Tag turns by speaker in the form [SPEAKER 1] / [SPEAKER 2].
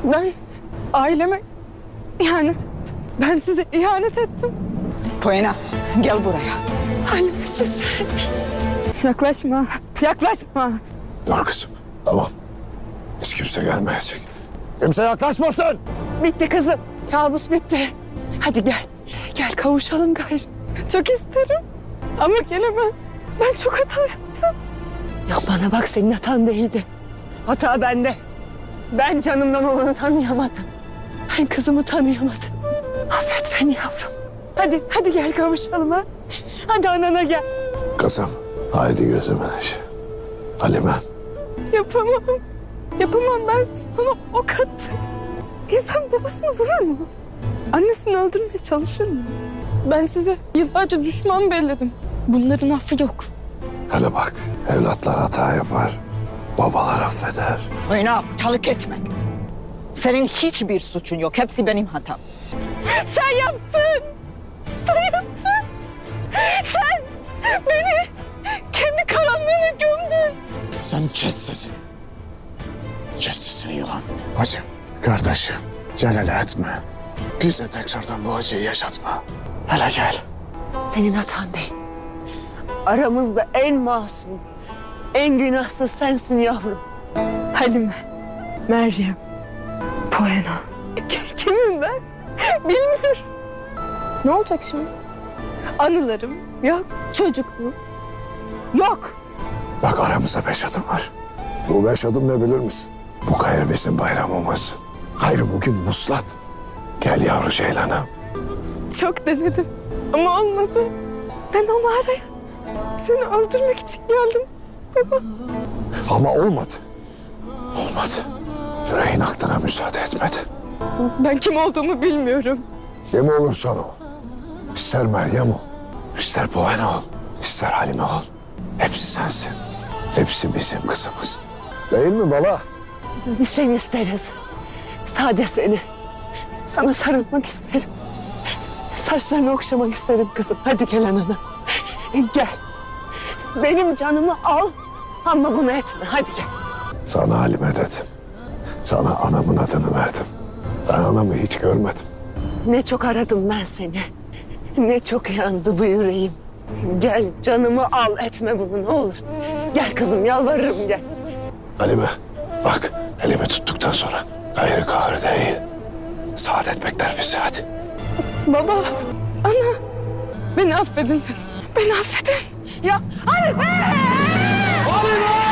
[SPEAKER 1] Ben aileme ihanet ettim. Ben size ihanet ettim.
[SPEAKER 2] Poyena, gel buraya.
[SPEAKER 1] Halime siz. Yaklaşma, yaklaşma.
[SPEAKER 3] Dur kızım, tamam. Hiç kimse gelmeyecek. Kimse yaklaşmasın.
[SPEAKER 1] Bitti kızım. Kabus bitti. Hadi gel. Gel kavuşalım gayrı. Çok isterim. Ama gelemem. Ben çok hata yaptım. Yok bana bak, senin hatan değildi. Hata bende. Ben canımdan olanı tanıyamadım. Ben kızımı tanıyamadım. Affet beni yavrum. Hadi gel kavuşalım ha. Hadi anana gel.
[SPEAKER 3] Kızım, haydi gözümün içi. Halime.
[SPEAKER 1] Yapamam. Yapamam, ben sana ok attım. İnsan babasını vurur mu? Annesini öldürmeye çalışır mı? Ben size yıllarca düşman belledim. Bunların affı yok.
[SPEAKER 3] Hele bak, evlatlar hata yapar. Babalar affeder.
[SPEAKER 2] Poyena, aptallık etme. Senin hiçbir suçun yok. Hepsi benim hatam.
[SPEAKER 1] Sen yaptın. Sen yaptın. Sen beni kendi karanlığına gömdün.
[SPEAKER 3] Sen kes sesini. Kes sesini yılan. Bacım, kardeşim, celale etme. Bize tekrardan bu acıyı yaşatma. Hele gel.
[SPEAKER 1] Senin hatan değil. Aramızda en masum, en günahsız sensin yavrum. Halime, Meryem, Poyena. Kimim ben? Bilmiyorum. Ne olacak şimdi? Anılarım yok, çocukluğum yok.
[SPEAKER 3] Bak aramızda 5 adım var. Bu 5 adım ne bilir misin? Bu gayrı bizim bayramımız. Gayrı bugün vuslat. Gel yavru ceylanım.
[SPEAKER 1] Çok denedim ama olmadı. Ben o mağaraya seni öldürmek için geldim baba.
[SPEAKER 3] Ama olmadı. Olmadı. Yüreğin aklına müsaade etmedi.
[SPEAKER 1] Ben kim olduğumu bilmiyorum.
[SPEAKER 3] Kim olursan ol. İster Meryem ol, ister Poyena ol, ister Halime ol. Hepsi sensin. Hepsi bizim kızımız. Değil mi bala?
[SPEAKER 1] Biz seni isteriz. Sade seni. Sana sarılmak isterim. Saçlarını okşamak isterim kızım. Hadi gel anana. Gel. Benim canımı al ama bunu etme. Hadi gel.
[SPEAKER 3] Sana Halime dedim. Sana anamın adını verdim. Ben anamı hiç görmedim.
[SPEAKER 1] Ne çok aradım ben seni. Ne çok yandı bu yüreğim. Gel canımı al, etme bunu ne olur. Gel kızım, yalvarırım gel.
[SPEAKER 3] Halime bak elimi tuttuktan sonra gayrı kahır değil. Saadet bekler bizi hadi.
[SPEAKER 1] Baba, ana, beni affedin. Beni affedin. Ya, Halime!
[SPEAKER 3] Halime!